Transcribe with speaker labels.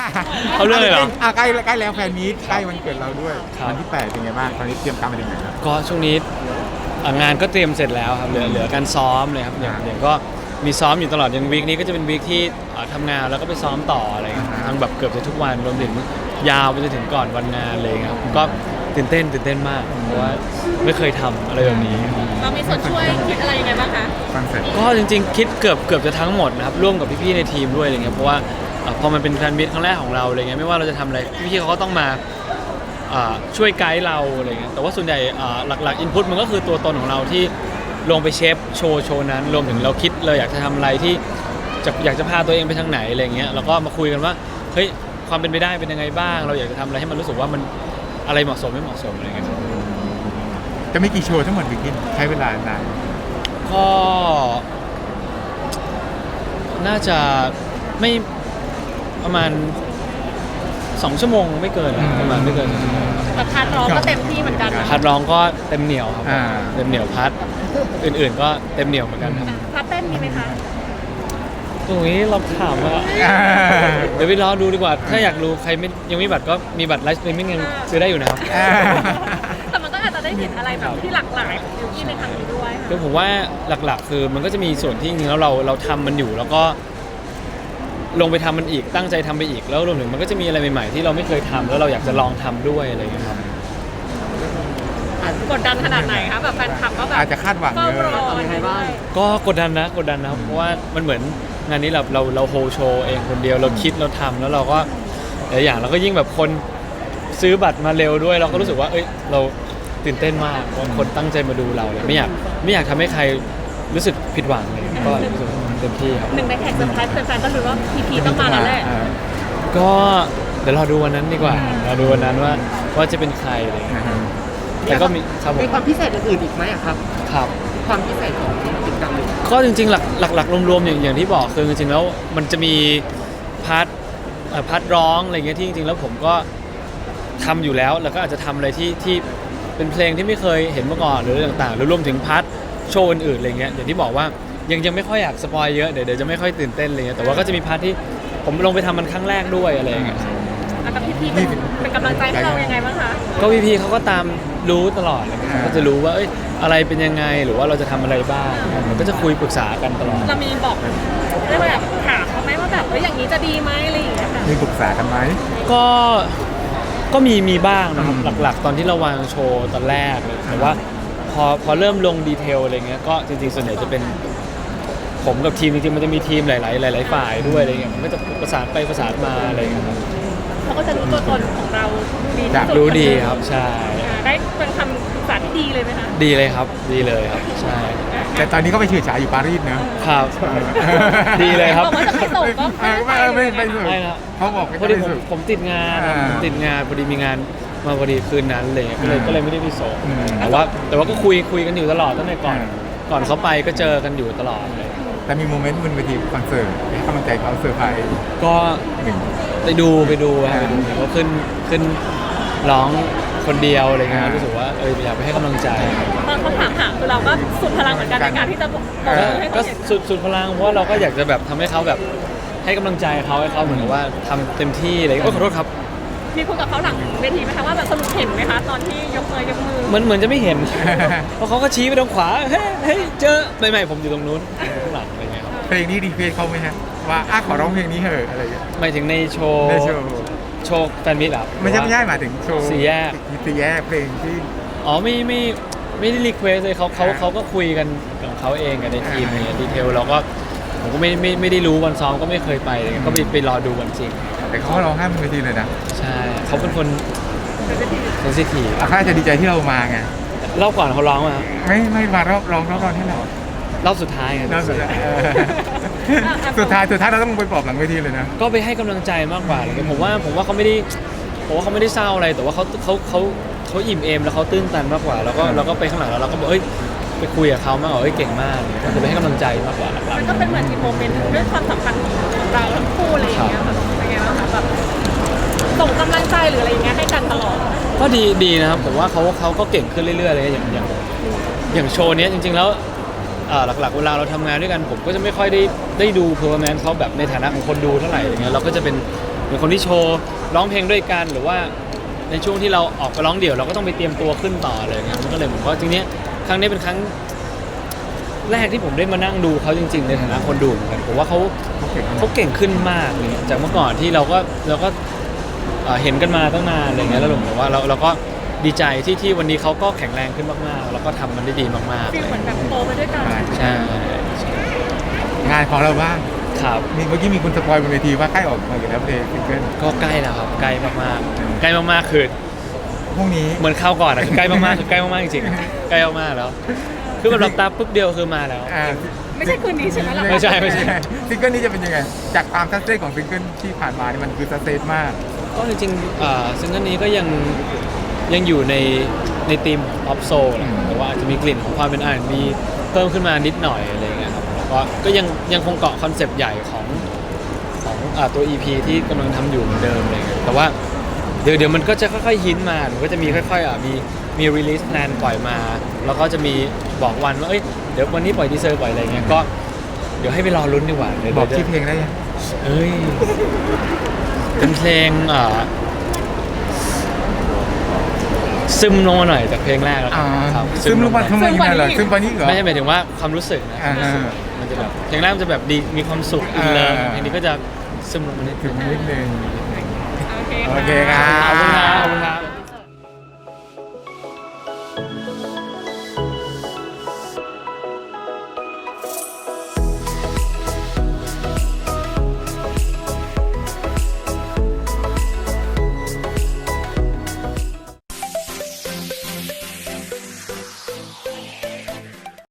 Speaker 1: เขาเรื่องเลยเหรอ
Speaker 2: ใกล้แล้วแฟนมีตใกล้วันเกิดเราด้วยวันที่8เป็นไงบ้างตอนนี้เตรียมการไปถึงไหนแล้ว
Speaker 1: ก็ช่วงนี้งานก็เตรียมเสร็จแล้วครับเหลือการซ้อมเลยครับอย่างก็มีซ้อมอยู่ตลอดอย่างวีคนี้ก็จะเป็นวีคที่ทำงานแล้วก็ไปซ้อมต่ออะไรครับทั้งแบบเกือบจะทุกวันรวมถึงยาวไปจนถึงก่อนวันงานเลยครับก็ตื่นเต้นมากเพราะว่าไม่เคยทำอะไรแบบนี้
Speaker 3: เรามีส่วนช่วยคิดอะไรยังไงบ้างคะ
Speaker 2: ฟังเสร็จ
Speaker 1: ก็จริงๆคิดเกือบจะทั้งหมดนะครับร่วมกับพี่ๆในทีมด้วยอะไรเงี้ยเพราะว่าพอมันเป็นแฟนมิตครั้งแรกของเราอะไรเงี้ยไม่ว่าเราจะทำอะไรพี่ๆเขาก็ต้องมาช่วยไกด์เราอะไรเงี้ยแต่ว่าส่วนใหญ่หลักๆอินพุตมันก็คือตัวตนของเราที่ลงไปเชฟโชว์นั้นรวมถึงเราคิดเลยอยากจะทำอะไรที่อยากจะพาตัวเองไปทางไหนอะไรเงี้ยแล้วก็มาคุยกันว่าเฮ้ยความเป็นไปได้เป็นยังไงบ้างเราอยากจะทำอะไรให้มันรู้สึกว่ามันอะไรเหมาะสมไม่เหมาะสมอะไรเงี้ย
Speaker 2: จะมีกี่โชว์ทั้งหมดวิกินใช้เวลานาน
Speaker 1: ก็น่าจะไม่ประมาณ2 ชั่วโมงไม่เกินประมาณไม่เกิน2 ชั่วโมง
Speaker 3: แต่พาร์ทร้องก็เต็มที่เหมือนกันนะ
Speaker 1: พัดร้องก็เต็มเหนียวครับเต็มเหนียวพัดอื่นๆก็เต็มเหนียวเหมือนกันครับ
Speaker 3: พาร์ทเต้นมีไหมคะ
Speaker 1: ตรงนี้เราถามว่าเดี๋ยวไปรอดูดีกว่าถ้าอยากรู้ใครไม่ยังไม่มีบัตรก็มีบัตรไลฟ์สตรีมมิ่งยังซื้อได้อยู่นะครับ
Speaker 3: แต่มันก็อาจจะได้เห็นอะไรแบบที่หลากหลายของยูกี้ในครั้งนี้ด้วย
Speaker 1: คือผมว่าหลักๆ คือมันก็จะมีส่วนที่จริงๆแล้วเราทำมันอยู่แล้วก็ลงไปทำมันอีกตั้งใจทำไปอีกแล้วรวมถึงมันก็จะมีอะไรใหม่ๆที่เราไม่เคยทำแล้วเราอยากจะลองทำด้วยอะไรอย่างเงี้ยครับ
Speaker 3: กดดันขนาดไหนคะแบบแฟนคลับก็แบบ
Speaker 2: อาจจะคาดหวัง
Speaker 3: เฝ้า
Speaker 2: เย
Speaker 3: ร
Speaker 2: อะ
Speaker 3: ออะไรบ้าง
Speaker 1: ก็กดดันนะเพราะว่ามันเหมือนงานนี้เราโฮโชว์เองคนเดียวเราคิดเราทำแล้วเราก็หลายอย่างเราก็ยิ่งแบบคนซื้อบัตรมาเร็วด้วยเราก็รู้สึกว่าเอ้ยเราตื่นเต้นมากว่าคนตั้งใจมาดูเราเลยไม่อยากทำให้ใครรู้สึกผิดหวังเลยก็รู้สึกเต็มที่ครับ
Speaker 3: หนึ่งในแขกเซอร์ไพรส์แฟนๆก็รู้ว่าพีต้องมาแล้วแหละ
Speaker 1: ก็เดี๋ยวรอดูวันนั้นดีกว่าเราดูวันนั้นว่าจะเป็นใครอะไรอย่างเงี้ยแล้วก็มีครับผม
Speaker 4: มีความพิเศษอื่นๆอีกไหมอะครับ
Speaker 1: ครับ
Speaker 4: ความพิเศษของกิจกรรมนี้
Speaker 1: ก็จริงๆหลักรวมๆอย่างที่บอกคือจริงๆแล้วมันจะมีพาร์ทร้องอะไรเงี้ยที่จริงๆแล้วผมก็ทำอยู่แล้วก็อาจจะทำอะไรที่เป็นเพลงที่ไม่เคยเห็นมาก่อนหรือต่างๆหรือรวมถึงพาร์ทโชว์อื่นๆอะไรเงี้ยอย่างที่บอกว่ายังไม่ค่อยอยากสปอยเยอะเดี๋ยวจะไม่ค่อยตื่นเต้นอะไรเงี้ยแต่ว่าก็จะมีพาร์ทที่ผมลงไปทำมันครั้งแรกด้วยอะไรอย่างเงี้ย
Speaker 3: แล้วกับพี่เป็นกำลังใจให้เรายังไงบ้างคะ
Speaker 1: ก็พี่เขาก็ตามรู้ตลอดเลยก็จะรู้ว่าเอ้ยอะไรเป็นยังไงหรือว่าเราจะทำอะไรบ้างมันก็จะคุยปรึกษากันตลอด
Speaker 3: เรามีบอกเรียกว่าแบบถามเขาไหมว่าแบบอย่างนี้จะดีไหมอะไรอย่างเงี้ยค่ะ
Speaker 2: มีปรึกษากันไหม
Speaker 1: ก็มีบ้างนะครับหลักๆ ตอนที่เราวางโชว์ตอนแรกเลยแต่ว่าพอเริ่มลงดีเทลอะไรเงี้ยก็จริงๆส่วนใหญ่จะเป็นผมกับทีมจริงๆมันจะมีทีมหลายฝ่ายด้วยอะไรเงี้ยมันก็จะประสานไปประสานมาอะไรเงี้ยครับ
Speaker 3: เขาก็จะรู้ตัวตนของเราดีที่สุด
Speaker 1: รู้ดีครับใช่
Speaker 3: ได้เป็นคำปรึกษาที่ดีเลยไหมคะ
Speaker 1: ดีเลยครับดีเลยครับใช่
Speaker 2: แต่ตอนนี้ก็ไปเฉื่อยฉายอยู่ปารีสเนอะ
Speaker 1: ครับดีเลยครับ
Speaker 3: บอกว่าจะไม่ส่งก็
Speaker 2: ไม่สุด
Speaker 1: ไม่นะ
Speaker 2: เขาบอก
Speaker 1: พอดี
Speaker 2: ไม่สุด
Speaker 1: ผมติดงาน
Speaker 2: อ่า
Speaker 1: ผมติดงานพอดีมีงานมาพอดีคืนนั้นเลยก็เลยไม่ได้ไปส่ง
Speaker 2: อืม
Speaker 1: แต่ว่าก็คุยกันอยู่ตลอดตั้งแต่ก่อนเขาไปก็เจอกันอยู่ตลอดเลย
Speaker 2: แต่มีโมเมนต์บนเวทีคอนเสิร์ตให้กำลังใจเขาเซอร์ไพรส์
Speaker 1: ก็
Speaker 2: หนึ่ง
Speaker 1: ไปดูครับเขาขึ้นร้องคนเดียวอะไรเงี้ย
Speaker 2: อ่า
Speaker 1: รู้สึกว่าอยากไปให้กำลังใจ
Speaker 3: ตอนเขาถามหาคือเราก็สุดพลังเหมือนกันในการที่จะบอกให้
Speaker 1: ก็
Speaker 3: เขาเห็น
Speaker 1: สุดพลังเพราะว่าเราก็อยากจะแบบทำให้เขาแบบให้กำลังใจเขาให้เขาเหมือนกับว่าทำเต็มที่อะไรเงี้ยขอโทษครับ
Speaker 3: มีคุยกับเขาหลังเวทีไหมคะว่าแบบสรุปเห็นไหมคะตอนที่ยกมือ
Speaker 1: เหมือนจะไม่เห็น เพราะเขาก็ชี้ไปทางขวาเฮ้ยเจอไม่ผมอยู่ตรงนู้นข้างหลังอะไรเงี้ยครับ
Speaker 2: เพลงนี้ดีเฟซเขาไหมฮะว่าขอร้องเพลงนี้เถอะอะไรอย่างเงี้ย
Speaker 1: หมายถึงในโชว์
Speaker 2: ในโชว์
Speaker 1: แฟนมิตรเหรอ
Speaker 2: ไม่ใช่หมายถึงโชว์
Speaker 1: สี่แยก
Speaker 2: สี่แยกเพลงที่
Speaker 1: อ๋อไม่ได้รีเควสเลยเขาก็คุยกันของเขาเองกับในทีมเนี่ยดีเทลเราก็ผมก็ไม่ได้รู้วันซ้อมก็ไม่เคยไปเลยก็ไปรอดูวันจริง
Speaker 2: แต่เขาร้องไห้บนเวทีเลยนะ
Speaker 1: ใช่เขาเป็นคนเซนซิทีฟ
Speaker 2: เขาอาจจะดีใจที่เรามาไง
Speaker 1: รอบก่อนเขาร้องมา
Speaker 2: ไม่มารอบร้องรอบที่เรา
Speaker 1: รอบสุดท้ายไง
Speaker 2: รอบสุดท้ายสุดท้ายเราต้องไปปลอบหลังเวทีเลยนะ
Speaker 1: ก็ไปให้กำลังใจมากกว่าเลยผมว่าเขาไม่ได้เศร้าอะไรแต่ว่าเขาอิ่มเอมแล้วเขาตื้นตันมากกว่าแล้วก็ไปข้างหลังแล้วเราก็บอกไปคุยกับเขามากกว่าเก่งมากก็คือไปให้กำลังใจมากกว่าหลัก
Speaker 3: มันก็เป็นเหมือนอีกโมเมนต์ด้วยความสัมพันธ์ของเราทั้งคู่อะไรอย่างเงี้ยแบบเป็นไงบ้างคะแบบส่งกำลังใจหรืออะไรอย่างเงี้ยให้กันตลอด
Speaker 1: ก็ดีนะครับผมว่าเขาก็เก่งขึ้นเรื่อยๆเลยอย่างโชว์นี้จริงๆแล้วหลักๆเวลาเราทำงานด้วยกันผมก็จะไม่ค่อยได้ดูเพอร์แมนเขาแบบในฐานะของคนดูเท่าไหร่อย่างเงี้ยเราก็จะเป็นเป็นคนที่โชว์ร้องเพลงด้วยกันหรือว่าในช่วงที่เราออกไปร้องเดี่ยวเราก็ต้องไปเตรียมตัวขึ้นต่อเลยครับมันก็เลยผมว่าจริงๆครั้งนี้เป็นครั้งแรกที่ผมได้มานั่งดูเขาจริงๆในฐานะคนดูเหมือนกันผมว่าเขาเก่งขึ้นมากเลยจากเมื่อก่อนที่เราก็เห็นกันมาตั้งนานอะไรเงี้ยแล้วผมบอกว่าเราก็ดีใจที่วันนี้เขาก็แข็งแรงขึ้นมากๆแล้วก็ทำมันได้ดีมากๆ
Speaker 3: ฟีลเหมือนแบบโตไปด้วยกัน
Speaker 1: ใช่
Speaker 2: งานของเราบ้าง
Speaker 1: ครับ
Speaker 2: เมื่อกี้มีคุณสปอยบนเวทีว่าใกล้ออกมาอยู่แล้วเพลงซิงเกิล
Speaker 1: ก็ใกล้แล้วครับใกล้มากๆใกล้มากๆคือ
Speaker 2: พรุ่งนี้
Speaker 1: เหมือนข้าวก่อนอะคือใกล้มากๆคือใกล้มากๆจริงๆใกล้มากๆแล้ว คือแบบหลับตาปุ๊บเดียวคือมาแล้ว
Speaker 3: ไม่ใช่คืนนี้ใช่ไหมล่ะ
Speaker 1: ไม่ใช่
Speaker 2: ซิงเกิลนี้จะเป็นยังไงจากความซัสเซสของซิงเกิลที่ผ่านมานี่มันคือซัสเซสมาก
Speaker 1: ก็จริงๆซิงเกิลนี้ก็ยังอยู่ในธีมออฟโซลแต่ว่าอาจจะมีกลิ่นของความเป็น R&B เพิ่มขึ้นมานิดหน่อยอะไรอย่างเงี้ยครับแล้วก็ยังคงเกาะคอนเซปต์ใหญ่ของตัว EP ที่กำลังทำอยู่เหมือนเดิมอะไรเงี้ยแต่ว่าเดี๋ยวมันก็จะค่อยๆฮินมามันก็จะมีค่อยๆมีรีลิสแพลนปล่อยมา แล้วก็จะมีบอกวันว่าเดี๋ยววันนี้ปล่อยทีเซอร์ปล่อยอะไรเงี้ยก็เดี๋ยวให้ไปรอลุ้นดีกว่าเดี๋ยว
Speaker 2: บอกชื่อเพลงได้ยัง
Speaker 1: เอ้ยเป็นเพลงซึมลงมาหน่อยจากเพลงแรกแล้วกันครับ
Speaker 2: ซึมลงมาทำไมยังไงเหรอซึมปานี้เหรอ
Speaker 1: ไม่ใช่หมายถึงว่าความรู้สึกนะ มันจะแบบเพลงแรกมันจะแบบดีมีความสุขอินเลิฟเพลงนี้ก็จะซึมลงมานิด
Speaker 2: ถึ
Speaker 1: นึ
Speaker 2: ง
Speaker 1: ง
Speaker 2: นิดนึง
Speaker 3: โอเค
Speaker 2: โอเคครับ
Speaker 1: ขอบคุณครับ